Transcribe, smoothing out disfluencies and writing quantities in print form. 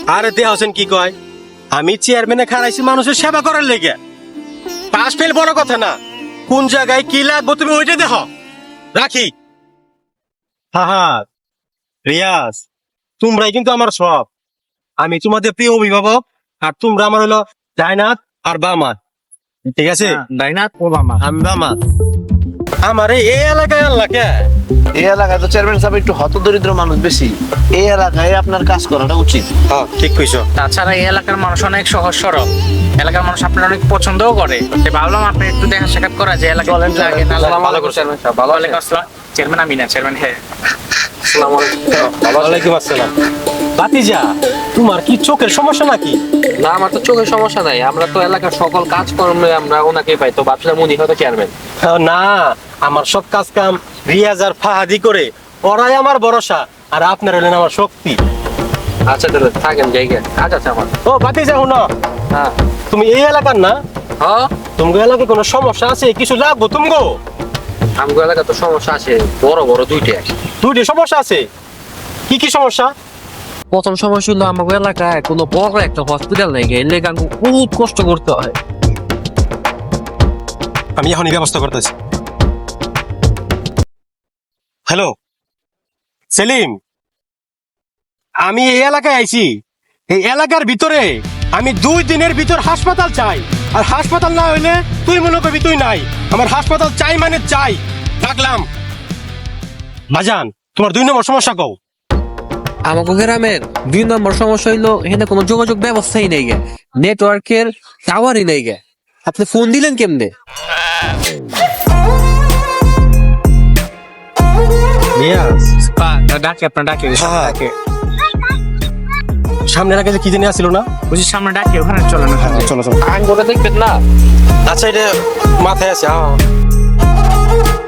আরে দেহ হোসেন কি কয়, আমি চেয়ারম্যানে খাড়াইছি মানুষের সেবা করার লেগে। পাস ফেল বড় কথা না, কোন জায়গায় কি লাগবো তুমি ওইটা দেখো। রাখি। হাহাত, রিয়াজ, তোমরাই কিন্তু আমার সব। আমি তোমাদের প্রিয় অভিভাবক, আর তোমরা আমার হলো জায়নাত আর বামাত। ঠিক আছে? ডাইনাত ও বামা। আমি বামাত। আমারে এই এলাকায় আল্লাহ কে? এই এলাকায় তো চেয়ারম্যান সাহেব একটু হতদরিদ্র মানুষ বেশি, এই এলাকায় আপনার কাজ করাটা উচিত। হ্যাঁ ঠিক কইছো। তাছাড়া এই এলাকার মানুষ অনেক সহজ সরল, এলাকার মানুষ আপনার অনেক পছন্দও করে। তাই ভাবলাম আপনি একটু দেখা সাক্ষাৎ করা যে এলাকায় চলেন, কি লাগে না লাগে। আসসালামু আলাইকুম চেয়ারম্যান সাহেব, ভালো আছেন? ওয়ালাইকুম আসসালাম। চেয়ারম্যান আমি না, চেয়ারম্যান হ্যাঁ। আসসালামু আলাইকুম। ওয়ালাইকুম আসসালাম। বাতিজা, তোমার কি চোখের সমস্যা নাকি? না, আমার তো চোখের সমস্যা নাই, আমরা তো এলাকার সকল কাজকর্মে আমরা ওনাকে পাই, তো ভাবছিলাম উনি হয়তো চেয়ারম্যান। না, আমার সব কাজ কাম রিয়াজ আর ফাহাদি করে, ওরাই আমার ভরসা, আর আপনার হলেন আমার শক্তি। আচ্ছা তাহলে থাকেন, জায়গা কাজ আছে আমার। ও বাতিজা, শুনো, হ্যাঁ তুমি এই এলাকার না? হ্যাঁ, তোমাকে এলাকায় কোনো সমস্যা আছে? কিছু লাগবো তুমগো? আমগো এলাকা তো সমস্যা আছে, বড় বড় দুইটা। দুইটি সমস্যা আছে। কি কি সমস্যা? প্রথম সমস্যা হলো আমাদের এলাকায় কোনো বড় একটা হসপিটাল নেই, এর লেগে আমাকে বহুত কষ্ট করতে হয়। আমি এখনই ব্যবস্থা করতেছি। হ্যালো সেলিম, আমি এই এলাকায় আইছি। এই এলাকার ভিতরে আমি 2 দিনের ভিতর হাসপাতাল চাই, আর হাসপাতাল না হইলে তুই মনে করবি তুই নাই। আমার হাসপাতাল চাই মানে চাই। ডাকলাম। বাজান, তোমার 2 নম্বর সমস্যা কও। আমাকে গ্রামের 2 নম্বর সমস্যা হইলো এখানে কোনো যোগাযোগ ব্যবস্থাই নেই গে, নেটওয়ার্কের টাওয়ারই নেই গে। আপনি ফোন দিলেন কেমনে? ডাকে আপনার ডাকে হ্যাঁ। ডাকে সামনে এলাকায় যে কি জানি আসছিল না? বুঝি সামনে ডাকে, ওখানে চলেন। চলো চলো। আইন করে দেখবেন না? আচ্ছা, এটা মাথায় আছে। হ্যাঁ